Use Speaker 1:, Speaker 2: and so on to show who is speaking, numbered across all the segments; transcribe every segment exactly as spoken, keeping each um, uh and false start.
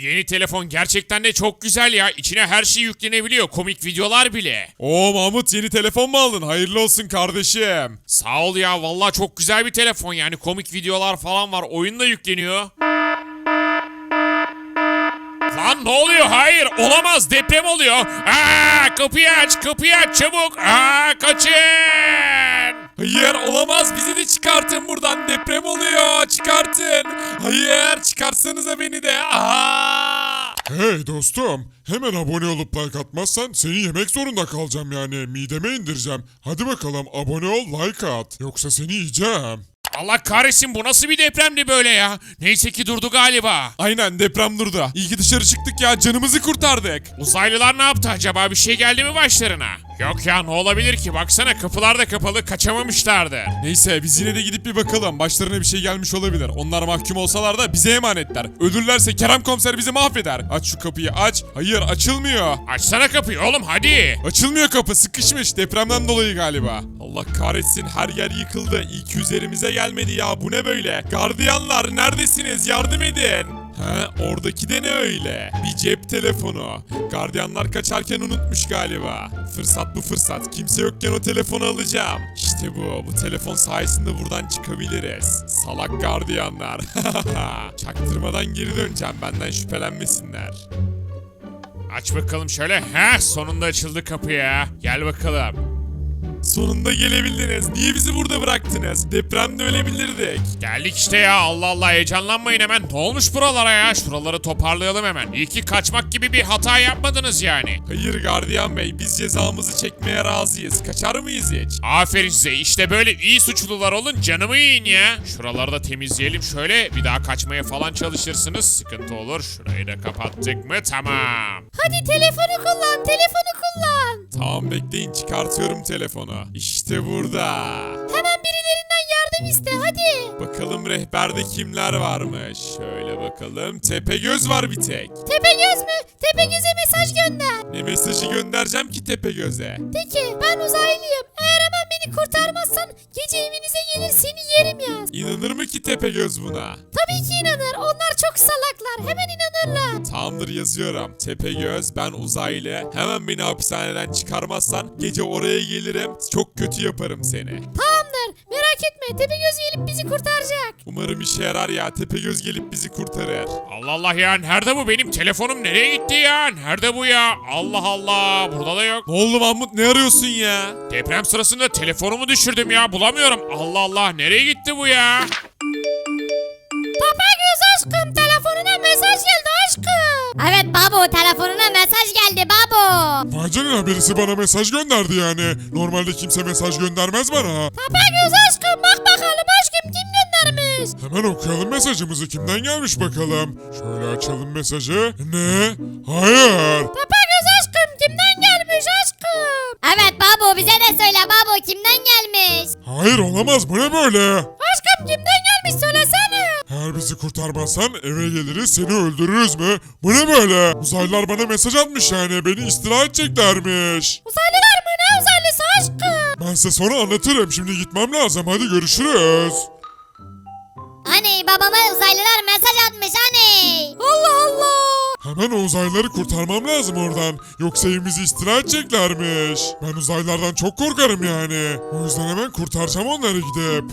Speaker 1: yeni telefon gerçekten de çok güzel ya. İçine her şey yüklenebiliyor. Komik videolar bile.
Speaker 2: Oo Mahmut, yeni telefon mu aldın? Hayırlı olsun kardeşim.
Speaker 1: Sağ ol ya. Vallahi çok güzel bir telefon yani. Komik videolar falan var. Oyun da yükleniyor. Lan ne oluyor? Hayır, olamaz, deprem oluyor. Aa, kapıyı aç, kapıyı aç çabuk. Aa, kaçın.
Speaker 2: Hayır, olamaz, bizi de çıkartın buradan, deprem oluyor, çıkartın. Hayır, çıkarsanıza beni de. Aa!
Speaker 3: Hey dostum, hemen abone olup like atmazsan seni yemek zorunda kalacağım yani. Mideme indireceğim. Hadi bakalım abone ol, like at. Yoksa seni yiyeceğim.
Speaker 1: Allah kahretsin, bu nasıl bir depremdi böyle ya? Neyse ki durdu galiba.
Speaker 2: Aynen, deprem durdu. İyi ki dışarı çıktık ya, canımızı kurtardık.
Speaker 1: Uzaylılar ne yaptı acaba? Bir şey geldi mi başlarına? Yok ya, ne olabilir ki? Baksana, kapılar da kapalı, kaçamamışlardı.
Speaker 2: Neyse, biz yine de gidip bir bakalım. Başlarına bir şey gelmiş olabilir. Onlar mahkum olsalar da bize emanetler. Ölürlerse Kerem komiser bizi mahveder. Aç şu kapıyı, aç. Hayır, açılmıyor.
Speaker 1: Açsana kapıyı oğlum, hadi.
Speaker 2: Açılmıyor kapı, sıkışmış, depremden dolayı galiba. Allah kahretsin, her yer yıkıldı. İyi ki üzerimize gelmedi ya, bu ne böyle? Gardiyanlar neredesiniz, yardım edin. He, oradaki de ne öyle? Bir cep telefonu. Gardiyanlar kaçarken unutmuş galiba. Fırsat bu fırsat. Kimse yokken o telefonu alacağım. İşte bu. Bu telefon sayesinde buradan çıkabiliriz. Salak gardiyanlar. Çaktırmadan geri döneceğim, benden şüphelenmesinler.
Speaker 1: Aç bakalım şöyle. Heh, sonunda açıldı kapı ya. Gel bakalım.
Speaker 2: Sonunda gelebildiniz. Niye bizi burada bıraktınız? Depremde ölebilirdik.
Speaker 1: Geldik işte ya, Allah Allah, heyecanlanmayın hemen. Ne olmuş buralara ya? Şuraları toparlayalım hemen. İyi ki kaçmak gibi bir hata yapmadınız yani.
Speaker 2: Hayır gardiyan bey, biz cezamızı çekmeye razıyız. Kaçar mıyız hiç?
Speaker 1: Aferin size, işte böyle iyi suçlular olun, canımı yiyin ya. Şuraları da temizleyelim şöyle, bir daha kaçmaya falan çalışırsınız, sıkıntı olur. Şurayı da kapattık mı? Tamam.
Speaker 4: Hadi telefonu kullan, telefonu kullan.
Speaker 2: Tamam, bekleyin, çıkartıyorum telefonu. İşte burada.
Speaker 4: Hemen birilerinden yardım iste hadi.
Speaker 2: Bakalım rehberde kimler varmış. Şöyle bakalım. Tepegöz var bir tek.
Speaker 4: Tepegöz mü? Tepegöz'e mesaj gönder.
Speaker 2: Ne mesajı göndereceğim ki Tepegöz'e?
Speaker 4: De ki ben uzaylıyım. Eğer hemen beni kurtarmazsan gece evinize gelir seni yerim yaz.
Speaker 2: İnanır mı ki Tepegöz buna?
Speaker 4: Tabii ki inanır. Onlar çok salaklar. Hemen inanırlar.
Speaker 2: Tamamdır, yazıyorum. Tepegöz, ben uzaylı. Hemen beni hapishaneden çıkarmazsan gece oraya gelirim. Çok kötü yaparım seni.
Speaker 4: Tamamdır. Merak etme. Tepegöz gelip bizi kurtaracak.
Speaker 2: Umarım işe yarar ya. Tepegöz gelip bizi kurtarır.
Speaker 1: Allah Allah ya, nerede bu? Benim telefonum nereye gitti ya? Nerede bu ya? Allah Allah, burada da yok.
Speaker 2: Ne oldu Mahmut, ne arıyorsun ya?
Speaker 1: Deprem sırasında telefonumu düşürdüm ya, bulamıyorum. Allah Allah, nereye gitti bu ya?
Speaker 4: Tepegöz aşkım, telefonuna mesaj geldi aşkım. Evet babu, telefonuna mesaj geldi babu.
Speaker 3: Vay canına, birisi bana mesaj gönderdi yani. Normalde kimse mesaj göndermez bana.
Speaker 4: Tepegöz aşkım, bak bakalım aşkım kim göndermiş.
Speaker 3: Hemen okuyalım mesajımızı, kimden gelmiş bakalım. Şöyle açalım mesajı. Ne? Hayır.
Speaker 4: Tepegöz aşkım, kimden gelmiş aşkım? Evet babu, bize de söyle babu, kimden gelmiş?
Speaker 3: Hayır, olamaz, bu ne böyle?
Speaker 4: Aşkım kimden gelmiş söylesene.
Speaker 3: Eğer bizi kurtarmazsan eve geliriz, seni öldürürüz mü? Bu ne böyle? Uzaylılar bana mesaj atmış yani, beni istila edeceklermiş.
Speaker 4: Uzaylılar mı, ne uzaylısı aşkım?
Speaker 3: Ben size sonra anlatırım, şimdi gitmem lazım, hadi görüşürüz.
Speaker 4: Aney, babama uzaylılar mesaj atmış aney. Allah Allah.
Speaker 3: Hemen o uzaylıları kurtarmam lazım oradan. Yoksa evimizi istila edeceklermiş. Ben uzaylılardan çok korkarım yani. O yüzden hemen kurtaracağım onları gidip.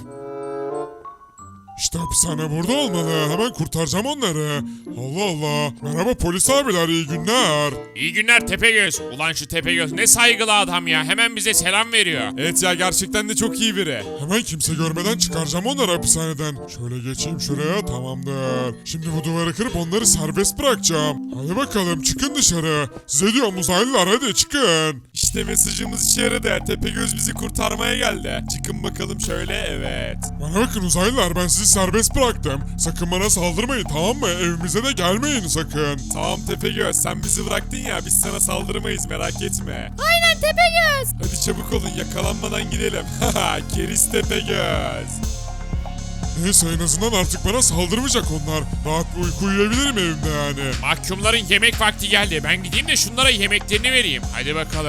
Speaker 3: İşte hapishane burada olmalı. Hemen kurtaracağım onları. Allah Allah. Merhaba polis abiler, iyi günler.
Speaker 1: İyi günler Tepegöz. Ulan şu Tepegöz ne saygılı adam ya. Hemen bize selam veriyor.
Speaker 2: Evet ya, gerçekten de çok iyi biri.
Speaker 3: Hemen kimse görmeden çıkaracağım onları hapishaneden. Şöyle geçeyim şuraya, tamamdır. Şimdi bu duvarı kırıp onları serbest bırakacağım. Hadi bakalım, çıkın dışarı. Size diyorum uzaylılar, hadi çıkın.
Speaker 2: İşte mesajımız işe yaradı. Tepegöz bizi kurtarmaya geldi. Çıkın bakalım şöyle, evet.
Speaker 3: Bana bakın uzaylılar, ben sizi serbest bıraktım. Sakın bana saldırmayın, tamam mı? Evimize de gelmeyin sakın.
Speaker 2: Tamam Tepegöz, sen bizi bıraktın ya, biz sana saldırmayız, merak etme.
Speaker 4: Aynen Tepegöz.
Speaker 2: Hadi çabuk olun, yakalanmadan gidelim. Haha, keriz Tepegöz.
Speaker 3: Neyse, en azından artık bana saldırmayacak onlar. Rahat bir uyku uyuyabilirim evimde yani.
Speaker 1: Mahkumların yemek vakti geldi. Ben gideyim de şunlara yemeklerini vereyim. Hadi bakalım.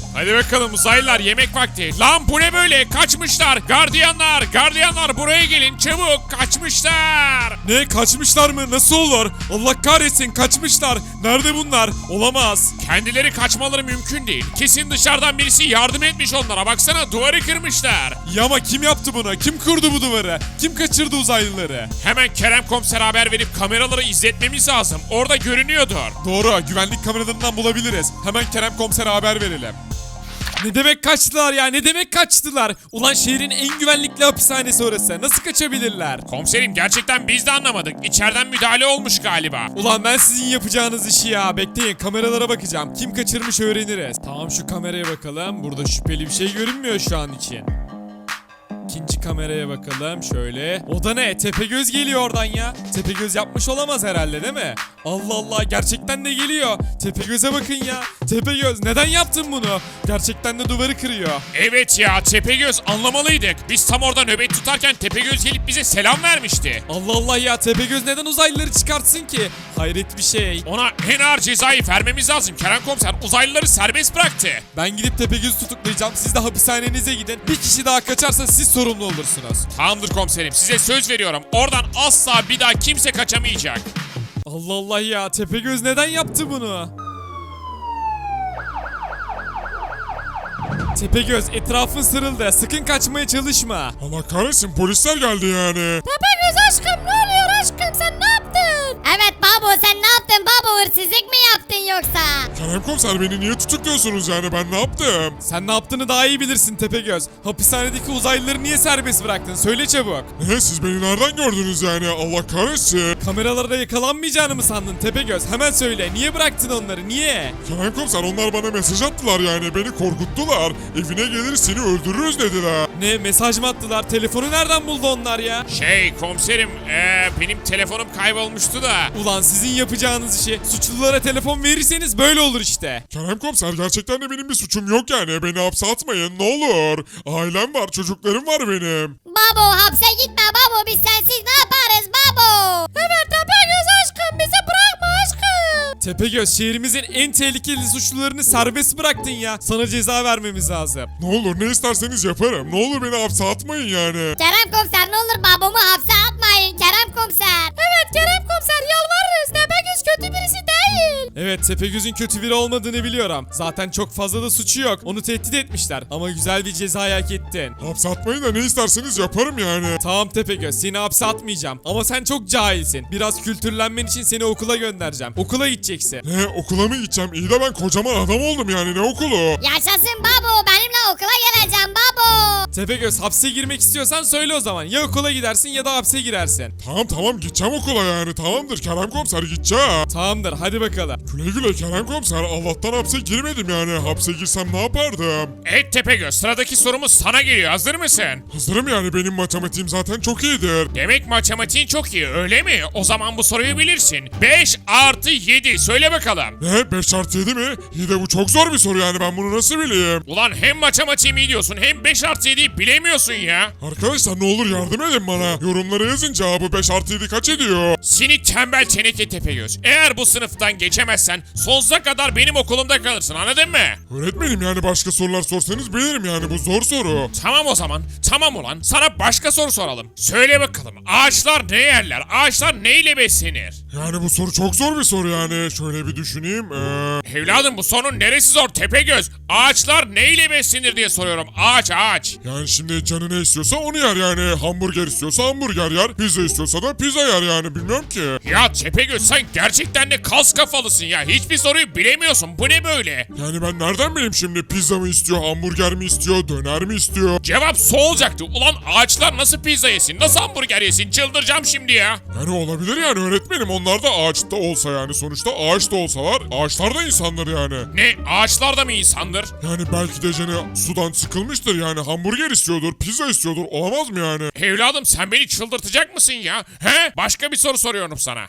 Speaker 1: Hadi bakalım uzaylılar, yemek vakti. Lan bu ne böyle? Kaçmışlar. Gardiyanlar, gardiyanlar buraya gelin çabuk. Kaçmışlar.
Speaker 2: Ne, kaçmışlar mı? Nasıl olur? Allah kahretsin, kaçmışlar. Nerede bunlar? Olamaz.
Speaker 1: Kendileri kaçmaları mümkün değil. Kesin dışarıdan birisi yardım etmiş onlara. Baksana, duvarı kırmışlar.
Speaker 2: Ya ama kim yaptı bunu? Kim kurdu bu duvarı? Kim kaçırdı uzaylıları?
Speaker 1: Hemen Kerem komiser haber verip kameraları izletmemiz lazım. Orada görünüyordur.
Speaker 2: Doğru, güvenlik kameralarından bulabiliriz. Hemen Kerem komisere haber verelim. Ne demek kaçtılar ya? Ne demek kaçtılar? Ulan şehrin en güvenlikli hapishanesi orası. Nasıl kaçabilirler?
Speaker 1: Komiserim, gerçekten biz de anlamadık. İçeriden müdahale olmuş galiba.
Speaker 2: Ulan ben sizin yapacağınız işi ya. Bekleyin, kameralara bakacağım. Kim kaçırmış öğreniriz. Tamam, şu kameraya bakalım. Burada şüpheli bir şey görünmüyor şu an için. İkinci kameraya bakalım şöyle. O da ne? Tepegöz geliyor oradan ya. Tepegöz yapmış olamaz herhalde, değil mi? Allah Allah, gerçekten de geliyor. Tepegöz'e bakın ya. Tepegöz, neden yaptın bunu? Gerçekten de duvarı kırıyor.
Speaker 1: Evet ya, Tepegöz, anlamalıydık. Biz tam orada nöbet tutarken Tepegöz gelip bize selam vermişti.
Speaker 2: Allah Allah ya, Tepegöz neden uzaylıları çıkartsın ki? Hayret bir şey.
Speaker 1: Ona en ağır cezayı vermemiz lazım. Kerem komiser uzaylıları serbest bıraktı.
Speaker 2: Ben gidip Tepegöz'ü tutuklayacağım. Siz de hapishanenize gidin. Bir kişi daha kaçarsa siz sorumlu olursunuz.
Speaker 1: Tamamdır komiserim, size söz veriyorum. Oradan asla bir daha kimse kaçamayacak.
Speaker 2: Allah Allah ya, Tepegöz neden yaptı bunu? Tepegöz, etrafın sarıldı. Sakın kaçmaya çalışma.
Speaker 3: Allah kahretsin, polisler geldi yani.
Speaker 4: Tepegöz aşkım, ne oluyor aşkım, sen ne yaptın? Evet babo, sen ne yaptın babo, hırsızlık mı yaptın yoksa?
Speaker 3: Kerem komiser, beni niye tutukluyorsunuz yani, ben ne yaptım?
Speaker 2: Sen ne yaptığını daha iyi bilirsin Tepegöz. Hapishanedeki uzaylıları niye serbest bıraktın? Söyle çabuk.
Speaker 3: Ne, siz beni nereden gördünüz yani, Allah kahretsin.
Speaker 2: Kameralarda yakalanmayacağını mı sandın Tepegöz? Hemen söyle. Niye bıraktın onları? Niye?
Speaker 3: Kerem komiser, onlar bana mesaj attılar yani, beni korkuttular. Evine gelir seni öldürürüz dediler.
Speaker 2: Ne, mesaj mı attılar? Telefonu nereden buldu onlar ya?
Speaker 1: Şey komiserim, ee, benim telefonum kaybolmuştu da.
Speaker 2: Ulan sizin yapacağınız işi, suçlulara telefon verirseniz böyle olur işte.
Speaker 3: Kerem komiser, gerçekten de benim bir suçum yok yani, beni hapse atmayın ne olur. Ailem var, çocuklarım var benim.
Speaker 4: Babo hapse gitme babo, biz sensiz ne yaparız babo? Evet Tepegöz aşkım, bizi bırakma aşkım.
Speaker 2: Tepegöz, şehrimizin en tehlikeli suçlularını serbest bıraktın ya. Sana ceza vermemiz lazım.
Speaker 3: Ne olur, ne isterseniz yaparım, ne olur beni hapse atmayın yani.
Speaker 4: Kerem komiser, ne olur babamı hapse atmayın Kerem komiser. Evet Kerem komiser, yalvarırız, Tepegöz kötü birisi değil.
Speaker 2: Evet, Tepegöz'ün kötü biri olmadığını biliyorum. Zaten çok fazla da suçu yok. Onu tehdit etmişler. Ama güzel bir ceza hak ettin.
Speaker 3: Hapse atmayın da ne isterseniz yaparım yani.
Speaker 2: Tamam Tepegöz, seni hapse atmayacağım. Ama sen çok cahilsin. Biraz kültürlenmen için seni okula göndereceğim. Okula gideceksin.
Speaker 3: Ne, okula mı gideceğim? İyi de ben kocaman adam oldum yani, ne okulu?
Speaker 4: Yaşasın babo, benimle okula geleceğim babo.
Speaker 2: Tepegöz, hapse girmek istiyorsan söyle o zaman. Ya okula gidersin ya da hapse girersin.
Speaker 3: Tamam tamam, gideceğim okula yani, tamamdır Kerem komiser, gideceğim.
Speaker 2: Tamamdır, hadi bakalım.
Speaker 3: Güle güle Kerem komiser, Allah'tan hapse girmedim yani, hapse girsem ne yapardım?
Speaker 1: Evet Tepegöz, sıradaki sorumuz sana geliyor. Hazır mısın?
Speaker 3: Hazırım yani, benim matematiğim zaten çok iyidir.
Speaker 1: Demek matematiğin çok iyi, öyle mi? O zaman bu soruyu bilirsin. beş artı yedi, söyle bakalım.
Speaker 3: Ne, beş artı yedi mi? İyi de bu çok zor bir soru yani, ben bunu nasıl bileyim?
Speaker 1: Ulan hem matematiğim iyi diyorsun hem beş artı yediyi bilemiyorsun ya.
Speaker 3: Arkadaşlar ne olur yardım edin bana. Yorumlara yazın, cevabı beş artı yedi kaç ediyor?
Speaker 1: Seni tembel teneke Tepegöz. Eğer bu sınıftan geçemezsen sonsuza kadar benim okulumda kalırsın, anladın mı?
Speaker 3: Öğretmenim yani, başka sorular sorsanız bilirim yani, bu zor soru.
Speaker 1: Tamam o zaman. Tamam ulan. Sana başka soru soralım. Söyle bakalım. Ağaçlar ne yerler? Ağaçlar neyle beslenir?
Speaker 3: Yani bu soru çok zor bir soru yani. Şöyle bir düşüneyim. Ee...
Speaker 1: Evladım, bu sorunun neresi zor Tepegöz? Ağaçlar neyle beslenir diye soruyorum. Ağaç ağaç.
Speaker 3: Yani şimdi canı ne istiyorsa onu yer yani. Hamburger istiyorsa hamburger yer. Pizza istiyorsa da pizza yer yani, bilmiyorum ki.
Speaker 1: Ya Tepegöz, sen gerçekten de kas kafalısın ya. Hiçbir soruyu bilemiyorsun. Bu ne böyle?
Speaker 3: Yani ben nereden bileyim şimdi, pizza mı istiyor, hamburger mi istiyor, döner mi istiyor?
Speaker 1: Cevap su olacaktı. Ulan ağaçlar nasıl pizza yesin? Nasıl hamburger yesin? Çıldıracağım şimdi ya.
Speaker 3: Yani olabilir yani öğretmenim, onlar da ağaçta olsa yani, sonuçta ağaç da olsalar ağaçlar da insanlar yani.
Speaker 1: Ne? Ağaçlar da mı insandır?
Speaker 3: Yani belki de canı sudan sıkılmıştır yani, hamburger istiyordur, pizza istiyordur, olamaz mı yani?
Speaker 1: Evladım, sen beni çıldırtacak mısın ya? He? Başka bir soru soruyorum sana.